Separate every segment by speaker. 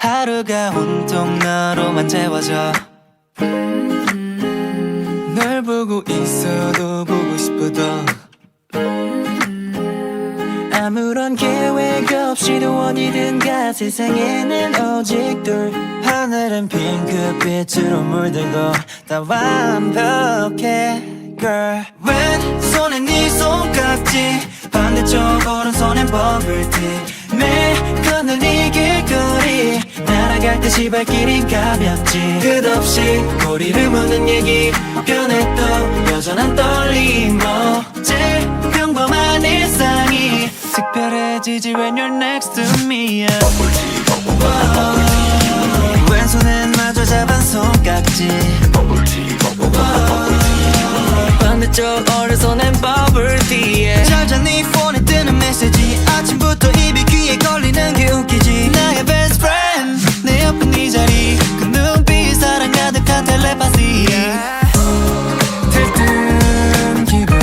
Speaker 1: 하루가 온통 너로만 채워져. 널 보고 있어도 보고 싶어도 아무런 계획 없이도 어디든 가. 세상에는 오직 둘. 하늘은 핑크빛으로 물들고 다 완벽해 girl. 왼손에 네 손깍지, 반대쪽 오른손엔 버블티. 매일 걷는 이 길거리 날아갈 듯이 발길이 가볍지. 끝없이 꼬리를 무는 얘기 변했도 여전한 떨림. 어제 평범한 일상이 특별해지지 when you're next to me. 왼손엔 마저 잡은 손깍지, 반대쪽 오른손엔 버블티. 찾아 네 폰에 뜨는 메시지, 아침부터 입이 귀에 걸리는 게 웃기지. 나의 best friend, 내 옆에 네 자리, 그 눈빛 사랑 가득한 텔레파시. 들뜬 기분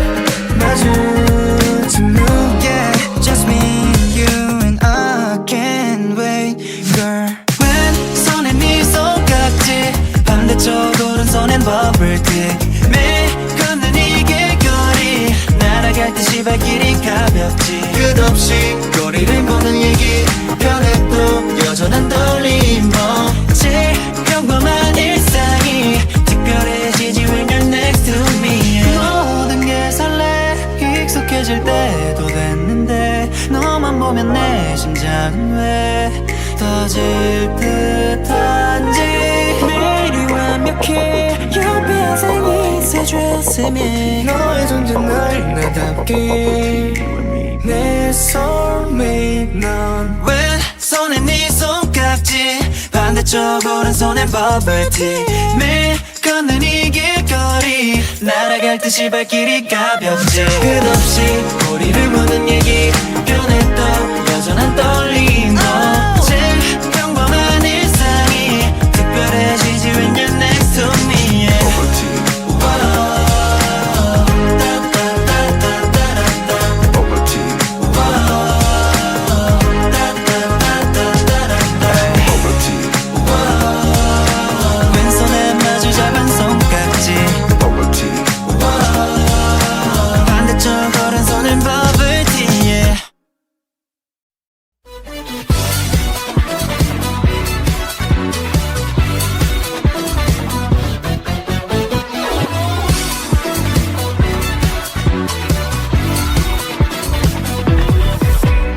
Speaker 1: 마주친 눈, yeah. Just me, you and I can't wait girl. 왼손엔 네 손깍지, 반대쪽 오른손엔 버블티. 매일 걷는 이 길거리 날아갈 듯이 발길이 가볍지. 끝없이 꼬리를 무는 얘기 변해도 여전한 떨림. 제일 평범한 일상이 특별해지지 when you're next to me. 모든 게 설레 익숙해질 때도 됐는데 너만 보면 내 심장은 왜 터질 듯한지. 매일이 완벽해 유비한 생이 새주였으면 너의 존재 날 나답게 내 soulmate. 넌 왼손에 네 손깍지, 반대쪽 오른손엔 버블티. 매일 걷는 이 길거리 날아갈 듯이 발길이 가볍지. 끝없이 꼬리를 무는 얘기 변해도 여전한